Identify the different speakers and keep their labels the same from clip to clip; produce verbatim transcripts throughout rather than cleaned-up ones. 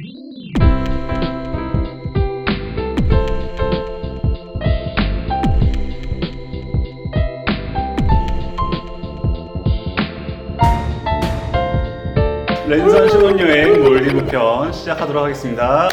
Speaker 1: 랜선 신혼여행 몰디브 편 시작하도록 하겠습니다.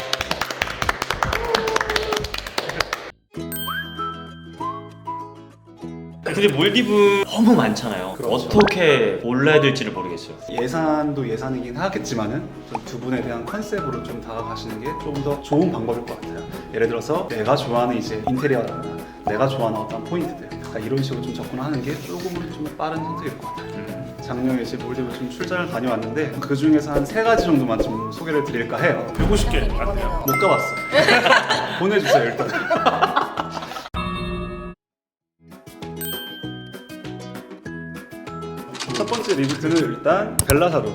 Speaker 2: 근데 몰디브 너무 많잖아요.
Speaker 1: 그렇죠.
Speaker 2: 어떻게 골라야 될지를 모르겠어요.
Speaker 1: 예산도 예산이긴 하겠지만은 좀 두 분에 대한 컨셉으로 좀 다가가시는 게 좀 더 좋은 방법일 것 같아요. 예를 들어서 내가 좋아하는 이제 인테리어나 내가 좋아하는 어떤 포인트들, 그러니까 이런 식으로 좀 접근하는 게 조금은 좀 빠른 선택일 것 같아요.
Speaker 2: 음.
Speaker 1: 작년에 이제 몰디브 좀 출장을 다녀왔는데 그 중에서 한 세 가지 정도만 좀 소개를 드릴까 해요.
Speaker 3: 백오십 개 같아요.
Speaker 1: 못 가봤어. 보내주세요 일단. 첫 번째 리조트는 일단 벨라사루.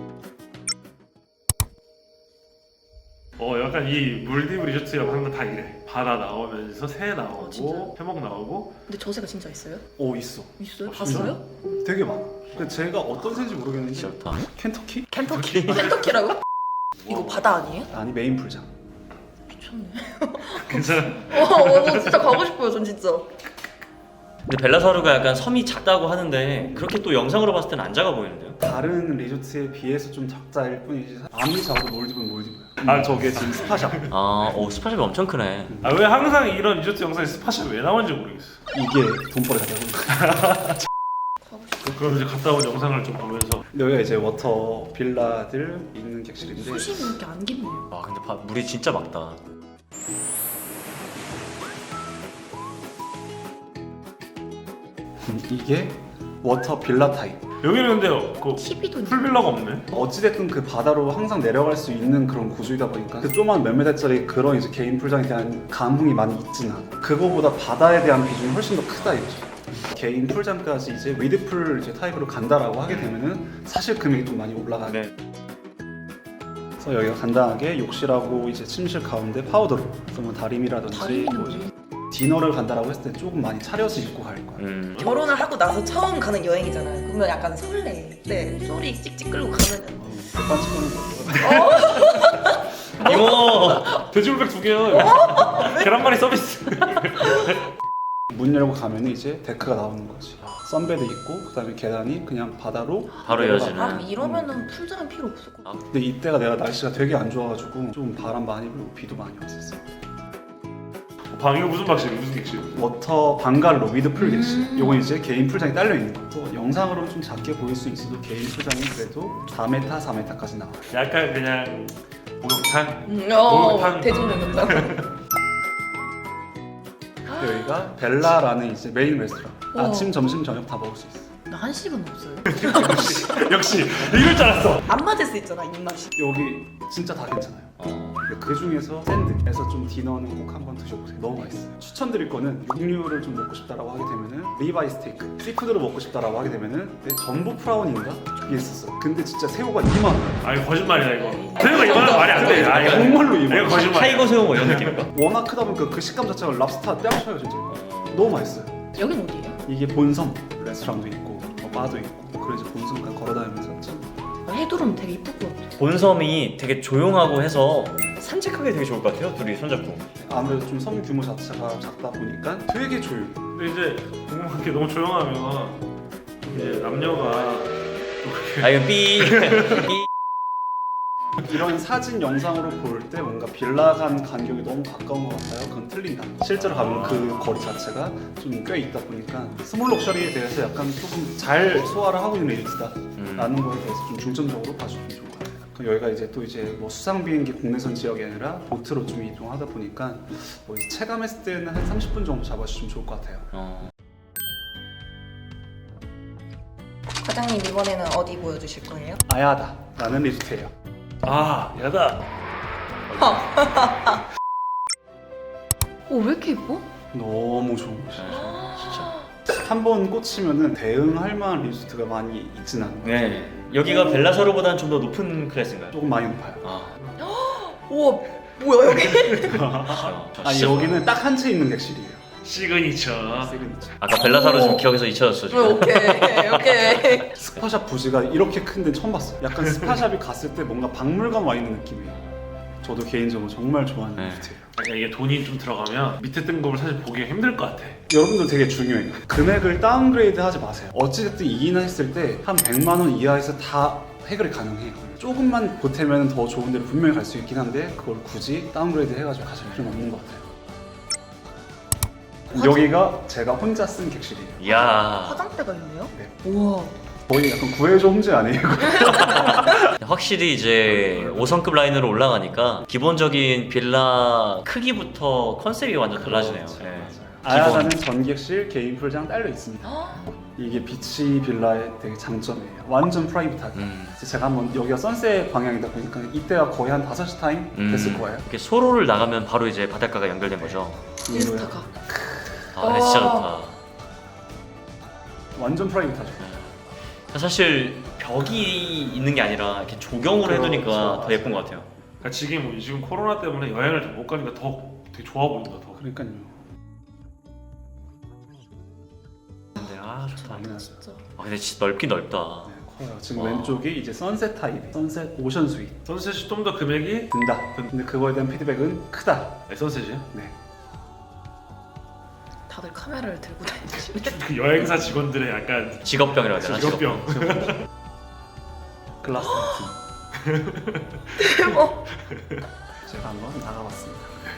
Speaker 3: 어 약간 이 몰디브 리조트라고 하는 건 다 이래. 바다 나오면서 새 나오고
Speaker 4: 어, 진짜요?
Speaker 3: 해먹 나오고.
Speaker 4: 근데 저 새가 진짜 있어요?
Speaker 1: 오 있어.
Speaker 4: 있어요?
Speaker 3: 아, 진짜?
Speaker 4: 봤어요?
Speaker 1: 되게 많아. 근데 제가 어떤 새인지 모르겠는데
Speaker 2: 좋다.
Speaker 1: 켄터키?
Speaker 4: 켄터키. 켄터키라고? 이거 바다 아니에요?
Speaker 1: 아니 메인 풀장.
Speaker 4: 미쳤네.
Speaker 3: 괜찮아.
Speaker 4: 어, 어, 저 진짜 가고 싶어요, 전 진짜.
Speaker 2: 근데 벨라사루가 약간 섬이 작다고 하는데 그렇게 또 영상으로 봤을 때는 안 작아 보이는데요?
Speaker 1: 다른 리조트에 비해서 좀 작다일 뿐이지 아무리 작아도 몰디브는 몰디브야.
Speaker 3: 아,
Speaker 1: 아 저게 지금 스파샵.
Speaker 2: 아, 오 스파샵이 엄청 크네.
Speaker 3: 아 왜 항상 이런 리조트 영상에 스파샵이 왜 나오는지 모르겠어.
Speaker 1: 이게 돈벌이 가자고.
Speaker 3: 그럼 이제 갔다 온 영상을 좀 보면서
Speaker 1: 여기가 이제 워터 빌라들 있는 객실인데
Speaker 4: 수심이 이렇게 안 깊네요.
Speaker 2: 와 근데 바, 물이 진짜 맑다.
Speaker 1: 음, 이게 워터 빌라 타입.
Speaker 3: 여기는 근데 그
Speaker 4: 티비도 있네.
Speaker 3: 풀빌라가 없네.
Speaker 1: 어찌됐든 그 바다로 항상 내려갈 수 있는 그런 구조이다 보니까 그 조그만 몇 메달짜리 그런 이제 개인 풀장에 대한 감흥이 많이 있진 않아. 그거보다 바다에 대한 비중이 훨씬 더 크다 이거죠. 개인 풀장까지 이제 위드풀 이제 타입으로 간다라고 하게 되면은 사실 금액이 좀 많이 올라가요.
Speaker 2: 네.
Speaker 1: 그래서 여기가 간단하게 욕실하고 이제 침실 가운데 파우더룸, 그래서 뭐 다림이라든지
Speaker 4: 다리미는
Speaker 1: 뭐
Speaker 4: 뭐예요?
Speaker 1: 디너를 간다라고 했을 때 조금 많이 차려서 입고 갈 거야.
Speaker 2: 음.
Speaker 4: 결혼을 하고 나서 처음 가는 여행이잖아요. 그러면 약간 설레. 네, 소리 찍찍 끌고 가면은.
Speaker 1: 백반 치고는 거.
Speaker 2: 이거
Speaker 3: 돼지불백 두 개요. 계란말이 서비스.
Speaker 1: 문 열고 가면 이제 데크가 나오는 거지. 선베드 있고 그다음에 계단이 그냥 바다로
Speaker 2: 바로
Speaker 1: 내려가.
Speaker 2: 이어지는.
Speaker 4: 아, 이러면은 풀장은 필요 없을 것 같아.
Speaker 1: 근데 이때가 내가 날씨가 되게 안 좋아가지고 좀 바람 많이 불고 비도 많이 왔었어.
Speaker 3: 방 이거 무슨 방식? 무슨 객실?
Speaker 1: 워터 방갈로 위드 풀 객실.
Speaker 4: 음.
Speaker 1: 요건 이제 개인 풀장이 딸려 있는 거. 또 영상으로 좀 작게 보일 수 있어도 개인 풀장이 그래도 사 미터, 사 미터까지 나와.
Speaker 3: 약간 그냥 목욕탕.
Speaker 4: 음, 어,
Speaker 3: 목욕탕.
Speaker 4: 대중적이다.
Speaker 1: 여기가 벨라라는 이제 메인 레스토랑.
Speaker 4: 우와.
Speaker 1: 아침, 점심, 저녁 다 먹을 수 있어.
Speaker 4: 나 한식은 없어요.
Speaker 3: 역시 이럴 줄 알았어.
Speaker 4: 안 맞을 수 있잖아, 입맛이.
Speaker 1: 여기 진짜 다 괜찮아요.
Speaker 2: 어.
Speaker 1: 그 중에서 샌드에서 좀 디너는 꼭 한번 드셔보세요. 너무 맛있어요. 추천드릴 거는 육류를 좀 먹고 싶다라고 하게 되면은 리바이 스테이크, 씨푸드를 먹고 싶다라고 하게 되면은 내 전부 프라운인가 그게 있었어. 근데 진짜 새우가 이만 원.
Speaker 3: 아 이거 거짓말이다 이거. 새우가 이만한 말이 안 돼. 아 이거
Speaker 1: 정말로 이만
Speaker 3: 이거
Speaker 1: 원.
Speaker 3: 거짓말.
Speaker 2: 타이거 새우 뭐 이런 느낌일까?
Speaker 1: 워낙 크다 보니까 그 식감 자체가 랍스타 뺨쳐요 진짜. 너무 맛있어요.
Speaker 4: 여긴 어디예요?
Speaker 1: 이게 본섬 레스토랑도 있고 뭐 바도 있고 그래서 본섬까지 걸어다니면서 참
Speaker 4: 해두름 되게 이쁠 것 같아.
Speaker 2: 본섬이 되게 조용하고 해서 산책하기 되게 좋을 것 같아요. 둘이 손잡고.
Speaker 1: 아무래도 좀 섬 규모 자체가 작다 보니까 되게 조용해.
Speaker 3: 근데 이제 궁금한 게 너무 조용하면 이제 남녀가
Speaker 2: 아 이거 삐. 삐.
Speaker 1: 이런 사진 영상으로 볼 때 뭔가 빌라 간 간격이 너무 가까운 것 같아요. 그건 틀린다. 실제로 가면 그 거리 자체가 좀 꽤 있다 보니까 스몰 럭셔리에 대해서 약간 조금 잘 소화를 하고 있는 리조트다라는
Speaker 2: 음.
Speaker 1: 거에 대해서 좀 중점적으로 봐주면 좋을 것 같아요. 그럼 여기가 이제 또 이제 뭐 수상 비행기 국내선 지역이 아니라 보트로 좀 이동하다 보니까 뭐 이제 체감했을 때는 한 삼십 분 정도 잡아주시면 좋을 것 같아요.
Speaker 2: 어.
Speaker 4: 과장님 이번에는 어디 보여주실 거예요?
Speaker 1: 아야다라는 리조트예요.
Speaker 3: 아 야다.
Speaker 4: 오, 왜 이렇게 예뻐?
Speaker 1: 너무 좋은 곳이에요.
Speaker 2: 진짜.
Speaker 1: 한 번 꽂히면은 대응할 만한 리조트가 많이 있진 않아요.
Speaker 2: 네. 여기가 벨라사루보다는 좀 더 높은 클래스인가요?
Speaker 1: 조금 많이 높아요.
Speaker 2: 아.
Speaker 4: 우와, 뭐야 여기?
Speaker 1: 아니 여기는 딱 한 채 있는 객실이에요.
Speaker 3: 시그니처.
Speaker 1: 시그니처.
Speaker 2: 아까 벨라사루 좀
Speaker 4: 오.
Speaker 2: 기억에서 잊혀졌어 지금.
Speaker 4: 오케이, 오케이.
Speaker 1: 스파샵 부지가 이렇게 큰 데는 처음 봤어요. 약간 스파샵이 갔을 때 뭔가 박물관 와 있는 느낌이에요. 저도 개인적으로 정말 좋아하는
Speaker 2: 네.
Speaker 1: 리조트예요.
Speaker 3: 그러니까 이게 돈이 좀 들어가면 밑에 등급을 사실 보기가 힘들 것 같아.
Speaker 1: 여러분들 되게 중요해요. 금액을 다운그레이드 하지 마세요. 어찌됐든 이기는 했을 때 한 백만 원 이하에서 다 해결이 가능해요. 조금만 보태면 더 좋은 데로 분명히 갈 수 있긴 한데 그걸 굳이 다운그레이드 해가지고 가실 필요는 없는 것 같아요. 여기가 제가 혼자 쓴 객실이에요.
Speaker 2: 이야.
Speaker 4: 화장대가 있네요?
Speaker 1: 네.
Speaker 4: 우와.
Speaker 1: 거의 약간 구해줘 홈즈 아니에요?
Speaker 2: 확실히 이제 오 성급 라인으로 올라가니까 기본적인 빌라 크기부터 컨셉이 완전 달라지네요.
Speaker 1: 그렇죠,
Speaker 2: 예.
Speaker 1: 맞아요. 아야다는 전객실, 개인 풀장 딸려 있습니다. 이게 비치 빌라의 되게 장점이에요. 완전 프라이빗하게.
Speaker 2: 음.
Speaker 1: 그래서 제가 한번 여기가 선셋 방향이다 보니까 이때가 거의 한 다섯 시 타임
Speaker 2: 음.
Speaker 1: 됐을 거예요.
Speaker 2: 이렇게 소로를 나가면 바로 이제 바닷가가 연결된 거죠.
Speaker 4: 인스타가.
Speaker 2: 아, 네, 진짜 좋다.
Speaker 1: 완전 프라이빗하죠.
Speaker 2: 사실 벽이 있는 게 아니라 이렇게 조경으로
Speaker 1: 그렇죠,
Speaker 2: 해두니까 더
Speaker 1: 맞아요.
Speaker 2: 예쁜 것 같아요.
Speaker 3: 그러니까 지금 지금 코로나 때문에 여행을 좀 못 가니까 더 되게 좋아 보인다 더.
Speaker 1: 그러니까요.
Speaker 2: 근데 아 좋다.
Speaker 1: 많이 났어요.
Speaker 4: 진짜.
Speaker 2: 아 근데 진짜 넓긴 넓다.
Speaker 1: 네, 커요. 지금
Speaker 2: 와.
Speaker 1: 왼쪽이 이제 선셋 타입, 선셋 오션 스윗
Speaker 3: 선셋이 좀 더 금액이
Speaker 1: 든다. 근데 그거에 대한 피드백은 크다.
Speaker 3: 네, 선셋이야?
Speaker 1: 네.
Speaker 4: 다들 카메라를 들고 다니시네.
Speaker 3: 그 여행사 직원들의 약간
Speaker 2: 직업병이라고 해야 되나?
Speaker 3: 직업병.
Speaker 1: 글라스 같은.
Speaker 4: 대박.
Speaker 1: 제가 한번 나가봤습니다.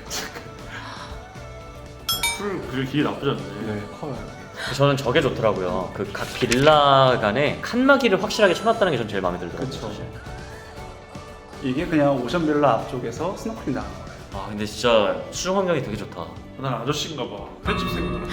Speaker 3: 풀 그릴 길이 나쁘지 않네.
Speaker 1: 네, 커요. 여기.
Speaker 2: 저는 저게 좋더라고요. 그 각 빌라 간에 칸막이를 확실하게 쳐놨다는 게 전 제일 마음에 들더라고요.
Speaker 1: 그쵸.
Speaker 2: 사실.
Speaker 1: 이게 그냥 오션 빌라 앞쪽에서 스노클링 나간 거예요.
Speaker 2: 아 근데 진짜 수중 환경이 되게 좋다.
Speaker 3: 난 아저씨인가 봐. 편집생으로.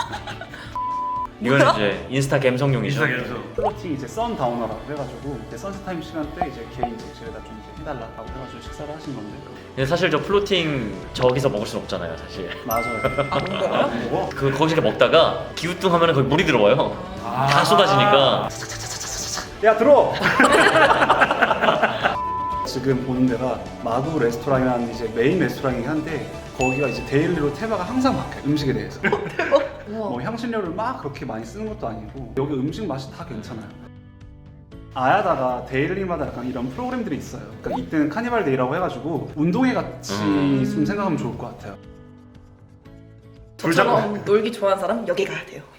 Speaker 2: 이거는 이제 인스타 감성용이죠.
Speaker 3: 인스타그램에서.
Speaker 1: 플로팅 이제 선다우너라고 해가지고 이제 선셋 타임 시간 때 이제 개인 객실에다 좀 이제 해달라고 해가지고 식사를 하신 건데
Speaker 2: 근데 사실 저 플로팅 저기서 먹을 순 없잖아요, 사실.
Speaker 1: 맞아요.
Speaker 4: 아, 뭔가요?
Speaker 3: 먹어?
Speaker 2: 그 거기서 먹다가 기우뚱하면 거기 물이 들어와요.
Speaker 3: 아.
Speaker 2: 다 쏟아지니까.
Speaker 1: 야 들어! 지금 보는 데가 마구 레스토랑이라는 이제 메인 레스토랑이긴 한데 거기가 이제 데일리로 테마가 항상 바뀌어요. 음식에 대해서.
Speaker 4: 우와.
Speaker 1: 뭐 향신료를 막 그렇게 많이 쓰는 것도 아니고 여기 음식 맛이 다 괜찮아요. 아야다가 데일리마다 약간 이런 프로그램들이 있어요. 그러니까 이때는 카니발 데이라고 해가지고 운동회 같이
Speaker 2: 음.
Speaker 1: 좀 생각하면 좋을 것 같아요.
Speaker 4: 저처럼 놀기 좋아하는 사람 여기 가야 돼요.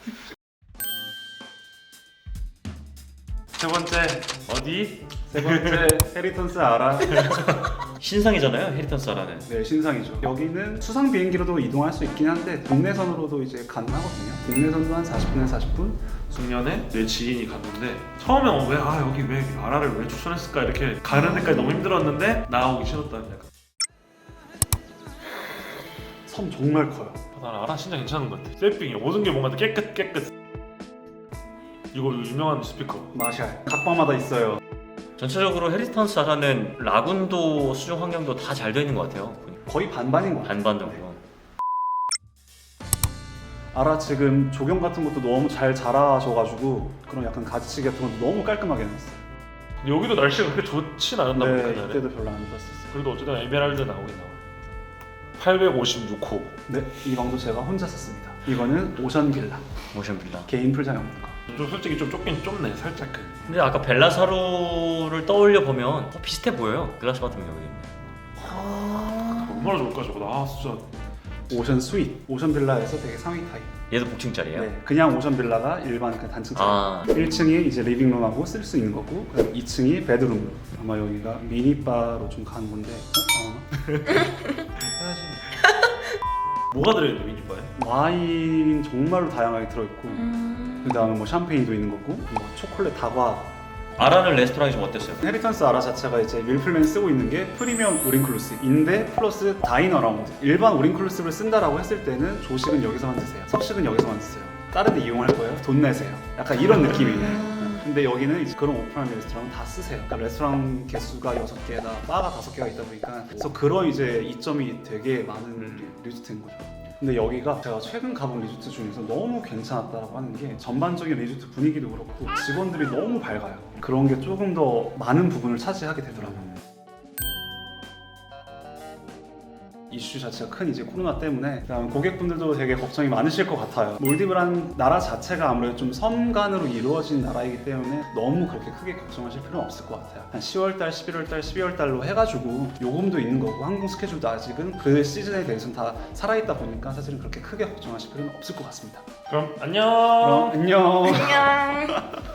Speaker 3: 세 번째 어디?
Speaker 1: 세 번째 헤리턴스 아라.
Speaker 2: 신상이잖아요, 헤리턴스 아라는.
Speaker 1: 네, 신상이죠. 여기는 수상 비행기로도 이동할 수 있긴 한데 국내선으로도 이제 가능하거든요. 국내선도 한 사십 분에서 사십 분?
Speaker 3: 중년에 내 지인이 갔는데 처음에 어, 왜, 아 여기 왜 아라를 왜 추천했을까 이렇게 가는 데까지 너무 힘들었는데 나오기 싫었다는 약간.
Speaker 1: 섬 정말 커요.
Speaker 3: 난 아라 진짜 괜찮은 것 같아. 셀핑이 모든 게 뭔가 깨끗 깨끗. 이거 유명한 스피커.
Speaker 1: 마샬. 각방마다 있어요.
Speaker 2: 전체적으로 헤리턴스 아라는 라군도 수중 환경도 다 잘 되어 있는 것 같아요.
Speaker 1: 거의 반반인 것 같아요.
Speaker 2: 반반 정도.
Speaker 1: 아라 지금 조경 같은 것도 너무 잘 자라셔가지고 그런 약간 가지치기 같은 것도 너무 깔끔하게 해놨어요.
Speaker 3: 근데 여기도 날씨가 그렇게 좋진 않았나
Speaker 1: 네,
Speaker 3: 보다. 그날에.
Speaker 1: 이때도 별로 안 좋았었어요.
Speaker 3: 그래도 어쨌든 에메랄드 나오긴 나와. 팔백오십육 호.
Speaker 1: 네, 이 방도 제가 혼자 썼습니다. 이거는 오션 빌라.
Speaker 2: 모션 빌라.
Speaker 1: 개인 풀장이 없는 거.
Speaker 3: 좀 솔직히 좀 좁긴 좁네 살짝.
Speaker 2: 근데 아까 벨라사루를 떠올려 보면 어, 비슷해 보여요. 글라스 같은 경우에는.
Speaker 4: 아.
Speaker 3: 얼마나 좋을까 저거. 아 진짜.
Speaker 1: 오션 스윗. 오션 빌라에서 되게 상위 타입.
Speaker 2: 얘도 복층짜리예요?
Speaker 1: 네, 그냥 오션 빌라가 일반 그 단층짜리.
Speaker 2: 아,
Speaker 1: 일 층이 이제 리빙룸하고 쓸 수 있는 거고 그다음 이 층이 베드룸. 아마 여기가 미니바로 좀 가는 건데 어? 어?
Speaker 3: 해야지. 뭐가 들어있는 미니바에?
Speaker 1: 와인 정말로 다양하게 들어있고
Speaker 4: 음.
Speaker 1: 그 다음에 뭐 샴페인도 있는 거고 뭐 초콜릿 다과.
Speaker 2: 아라는 레스토랑이 좀 어땠어요?
Speaker 1: 헤리턴스 아라 자체가 이제 밀플랜 쓰고 있는 게 프리미엄 우린클루시브인데 플러스 다이너 라운드. 일반 우린클루시브를 쓴다라고 했을 때는 조식은 여기서만 드세요. 석식은 여기서만 드세요. 다른 데 이용할 거예요? 돈 내세요. 약간 이런 느낌이에요.
Speaker 4: 음.
Speaker 1: 근데 여기는 이제 그런 오픈한 레스토랑은 다 쓰세요. 그러니까 레스토랑 개수가 여섯 개에다 바가 다섯 개가 있다 보니까 그래서 그런 이제 이점이 되게 많은
Speaker 3: 음.
Speaker 1: 리조트인 거죠. 근데 여기가 제가 최근 가본 리조트 중에서 너무 괜찮았다고 하는 게 전반적인 리조트 분위기도 그렇고 직원들이 너무 밝아요. 그런 게 조금 더 많은 부분을 차지하게 되더라고요. 이슈 자체가 큰 이제 코로나 때문에 그다음 고객분들도 되게 걱정이 많으실 것 같아요. 몰디브라는 나라 자체가 아무래도 좀 섬간으로 이루어진 나라이기 때문에 너무 그렇게 크게 걱정하실 필요는 없을 것 같아요. 한 시월달, 십일월달, 십이월달로 해가지고 요금도 있는 거고 항공 스케줄도 아직은 그 시즌에 대해서는 다 살아있다 보니까 사실은 그렇게 크게 걱정하실 필요는 없을 것 같습니다.
Speaker 2: 그럼 안녕.
Speaker 1: 그럼 안녕.
Speaker 4: 안녕.